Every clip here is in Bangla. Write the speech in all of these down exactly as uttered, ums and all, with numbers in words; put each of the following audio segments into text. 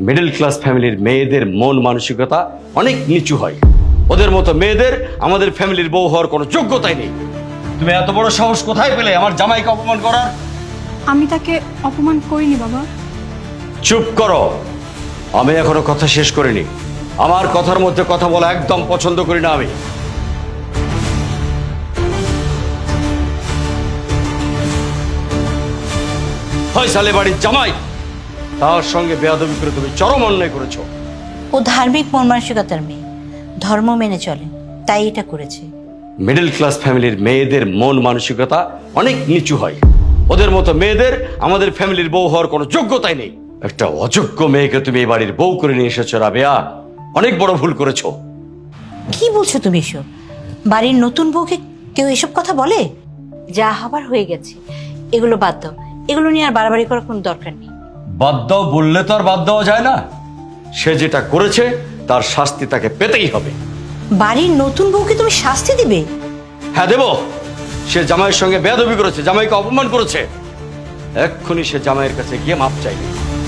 মিডল ক্লাস ফ্যামিলির মেয়েদের মন মানসিকতা অনেক নিচু হয়। ওদের মতো মেয়েদের আমাদের ফ্যামিলির বউ হওয়ার কোনো যোগ্যতাই নেই। তুমি এত বড় সাহস কোথায় পেলে আমার জামাইকে অপমান করার? আমি তাকে অপমান করিনি বাবা। চুপ করো, আমি এখনো কথা শেষ করিনি। আমার কথার মধ্যে কথা বলা একদম পছন্দ করি না আমি। ফয়সালে বাড়ির জামাই, তার সঙ্গে বেয়াদবি করে তুমি চরম অন্যায় করেছো। ও ধার্মিক মন মানসিকতার মেয়ে, ধর্ম মেনে চলে, তাই এটা করেছে। মিডল ক্লাস ফ্যামিলির মেয়েদের মন মানসিকতা অনেক নিচু হয়। ওদের মতো মেয়েদের আমাদের ফ্যামিলির বউ হওয়ার কোনো যোগ্যতাই নেই। একটা অযোগ্য মেয়েকে তুমি এই বাড়ির বউ করে নিয়ে এসেছো রাবেয়া, অনেক বড় ভুল করেছো। কি বলছো তুমি এসব? বাড়ির নতুন বউকে কেউ এসব কথা বলে? যা হবার হয়ে গেছে, এগুলো বাদ দাও। এগুলো নিয়ে আর বাড়াবাড়ি করার কোনো দরকার নেই। বাদ দাও বললে তো আর বাদ দেওয়া যায় না। সে যেটা করেছে তার শাস্তি তাকে পেতেই হবে। বাড়ির নতুন বউকে তুমি শাস্তি দিবে? হ্যাঁ দেব। সে জামাইয়ের সঙ্গে বেয়াদবি করেছে, জামাইকে অপমান করেছে। এক্ষুনি সে জামাইয়ের কাছে গিয়ে মাপ চাইবে।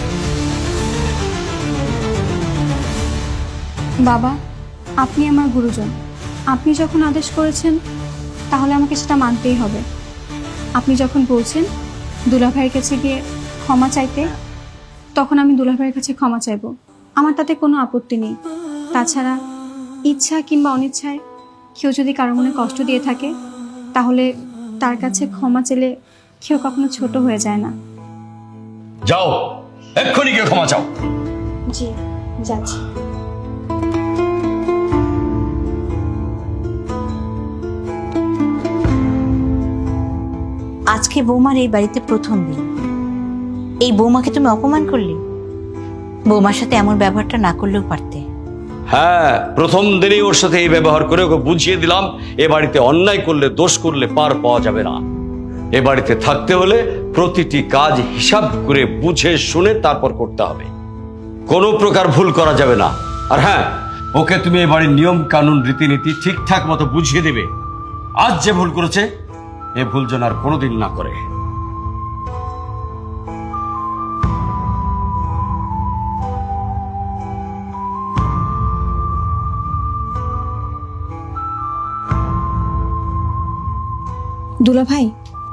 বাবা, আপনি আমার গুরুজন। আপনি যখন আদেশ করেছেন তাহলে আমাকে সেটা মানতেই হবে। আপনি যখন বলছেন দুলাভাইয়ের কাছে গিয়ে ক্ষমা চাইতে, তখন আমি দুলাভাইয়ের কাছে ক্ষমা চাইব। আমার তাতে কোনো আপত্তি নেই। তাছাড়া ইচ্ছা কিংবা অনিচ্ছায় কেউ যদি কারো মনে কষ্ট দিয়ে থাকে, তাহলে তার কাছে ক্ষমা চেলে কেউ কখনো ছোট হয়ে যায় না। যাও, এক্ষুনি গিয়ে ক্ষমা চাও। জি, যাচ্ছি। আজকে বৌমার এই বাড়িতে প্রথম দিন, এই বৌমাকে তুমি অপমান করলে। বৌমার সাথে এমন ব্যবহারটা না করলেও পারতে। হ্যাঁ, প্রথম দিনেই ওর সাথে এই ব্যবহার করে ওকে বুঝিয়ে দিলাম এ বাড়িতে অন্যায় করলে, দোষ করলে পার পাওয়া যাবে না। এ বাড়িতে থাকতে হলে প্রতিটি কাজ হিসাব করে বুঝে শুনে তারপর করতে হবে। কোনো প্রকার ভুল করা যাবে না। আর হ্যাঁ, ওকে তুমি এ বাড়ির নিয়ম কানুন রীতিনীতি ঠিকঠাক মতো বুঝিয়ে দেবে। আজ যে ভুল করেছে এ ভুল যেন আর কোনোদিন না করে। দুলাভাই,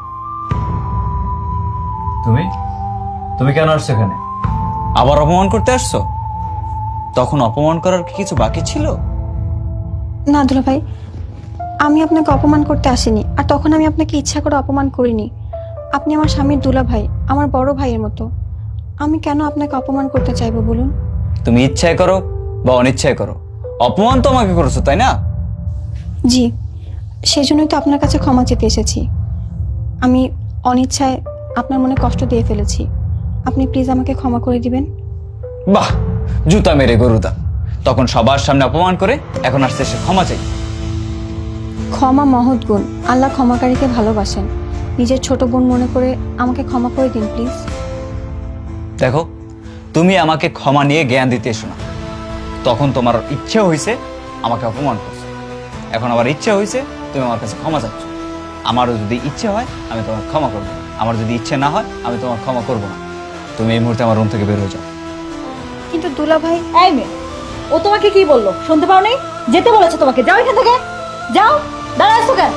তুমি তুমি কেন আসছো এখানে? আবার অপমান করতে আসছো? তখন অপমান করার কি কিছু বাকি ছিল? না দুলাভাই, আমি আপনাকে অপমান করতে আসিনি। আর তখন আমি আপনাকে ইচ্ছা করে অপমান করিনি। আপনি আমার স্বামীর দুলাভাই, আমার বড় ভাইয়ের মতো। আমি কেন আপনাকে অপমান করতে চাইবো বলুন? তুমি ইচ্ছায় করো বা অনিচ্ছায় করো, অপমান তো আমাকে করেছো, তাই না? জি, সেজন্যই তো আপনার কাছে ক্ষমা চেতে এসেছি। আমি অনিচ্ছায় আপনার মনে কষ্ট দিয়ে ফেলেছি। আপনি প্লিজ আমাকে ক্ষমা করে দিবেন। বাহ, জুতা মেরে গরুদা। তখন সবার সামনে অপমান করে এখন আসছে সে ক্ষমা চাই। ক্ষমা মহৎ গুণ। আল্লাহ ক্ষমাকারীকে ভালোবাসেন। নিজের ছোট বোন মনে করে আমাকে ক্ষমা করে দিন প্লিজ। দেখো, তুমি আমাকে ক্ষমা নিয়ে জ্ঞান দিতে এসো না। তখন তোমার ইচ্ছে হয়েছে আমাকে অপমান করছো, এখন আবার ইচ্ছে হয়েছে তুমি আমার কাছে ক্ষমা চাচ্ছ। আমারও যদি ইচ্ছে হয় আমি তোমার ক্ষমা করবো, আমার যদি ইচ্ছে না হয় আমি তোমার ক্ষমা করবো না। তুমি এই মুহূর্তে আমার রুম থেকে বের হয়ে যাও। কিন্তু দুলাভাই, এই মেয়ে, ও তোমাকে কি বললো শুনতে পাও নি? যেতে বলেছে তোমাকে, যাও এখান থেকে, যাও। দাঁড়া আছো কেন?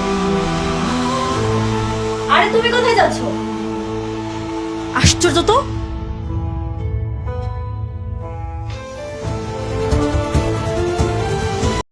আরে তুমি কোথায় যাচ্ছ? আশ্চর্য তো,